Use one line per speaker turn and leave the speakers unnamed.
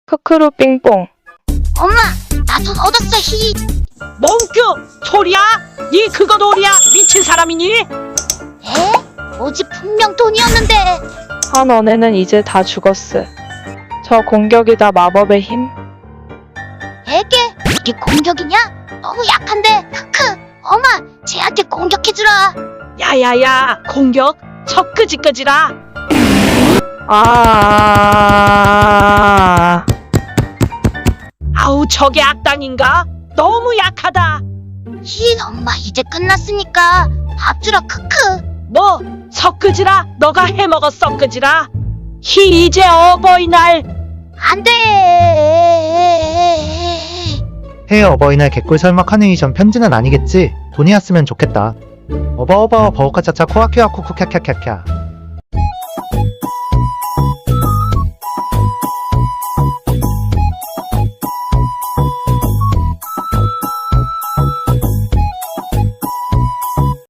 크크루 삥뽕.
엄마, 나 돈 얻었어. 히.
몽규 소리야? 니 그거 놀이야? 미친 사람이니?
에? 어제 분명 돈이었는데.
한 언에는 이제 다 죽었어. 저 공격이다 마법의 힘.
에게? 이게 공격이냐? 너무 약한데. 크크. 엄마, 쟤한테 공격해주라.
야야야 공격 저 끄지끄지라. 아우 저게 악당인가? 너무 약하다.
히, 엄마 이제 끝났으니까 밥 주라. 크크.
뭐 섞으지라? 너가 해먹어 섞으지라. 히 이제 어버이날.
안 돼.
해 어버이날 개꿀 설마 카네이션 편지는 아니겠지? 돈이었으면 좋겠다. 어버어버 버우카차차 코아키와 쿠쿠캬캬캬캬.